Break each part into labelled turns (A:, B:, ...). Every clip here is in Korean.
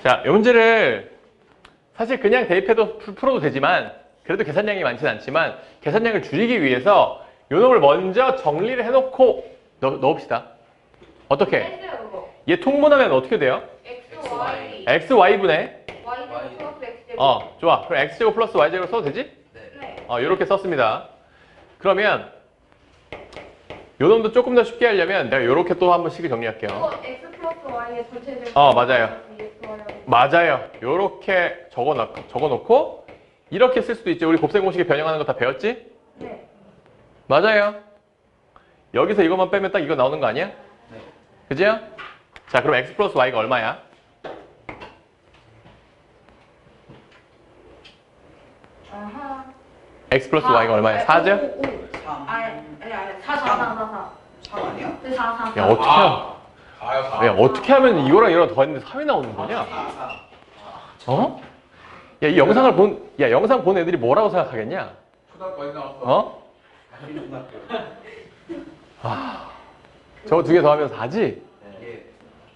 A: 자, 이 문제를 사실 그냥 대입해도 풀어도 되지만 그래도 계산량이 많지는 않지만 계산량을 줄이기 위해서 요 놈을 먼저 정리를 해놓고 넣읍시다. 어떻게?
B: 했어요 그거.
A: 얘 통분하면 어떻게 돼요?
B: x, y.
A: xy분의
B: y 플러스 x 제곱.
A: 좋아. 그럼 x제곱 플러스 y제곱 써도 되지?
B: 네.
A: 요렇게 썼습니다. 그러면 요 놈도 조금 더 쉽게 하려면 내가 요렇게 또 한번 식을 정리할게요.
B: 이거 x 플러스 y의 전체 제곱.
A: 맞아요. 맞아요. 요렇게 적어놓고 이렇게 쓸 수도 있죠. 우리 곱셈 공식에 변형하는 거 다 배웠지?
B: 네.
A: 맞아요. 여기서 이것만 빼면 딱 이거 나오는 거 아니야?
C: 네.
A: 그죠? 자, 그럼 x 플러스 y가 얼마야?
B: 아하.
A: x 플러스 y가 얼마야? 4죠?
C: 3.
B: 아니. 4.
C: 3 아니야?
B: 네, 4.
A: 야, 어떻게 하면 이거랑 이거랑 더했는데 3이 나오는 거냐?
C: 4.
A: 어? 야, 이 영상을 영상 본 애들이 뭐라고 생각하겠냐?
D: 초등학교 어디 나왔어?
A: 어? 저거 두 개 더하면 4지?
C: 예.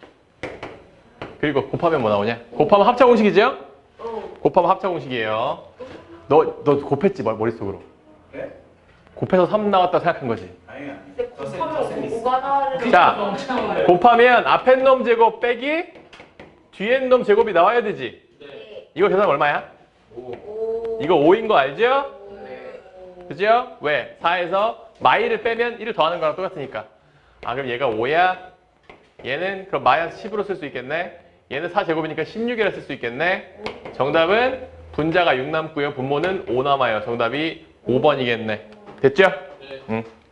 A: 그리고 곱하면 뭐 나오냐? 곱하면 합차 공식이죠? 곱하면 합차 공식이에요. 너 곱했지, 머릿속으로.
C: 네?
A: 곱해서 3 나왔다 생각한 거지.
C: 아니 아니.
B: 근데 곱하면 5가 나와야
A: 자, 곱하면 앞에 놈 제곱 빼기 뒤에 놈 제곱이 나와야 되지.
B: 네.
A: 이거 계산 얼마야?
B: 5.
A: 이거 5인 거 알죠?
B: 네.
A: 그죠? 왜? 4에서 마이를 빼면 1을 더하는 거랑 똑같으니까. 그럼 얘가 5야. 얘는 그럼 마이너스 10으로 쓸 수 있겠네. 얘는 4제곱이니까 16이라 쓸 수 있겠네. 정답은 분자가 6 남고요. 분모는 5 남아요. 정답이 5번이겠네. 됐죠?
D: 네.
A: 응.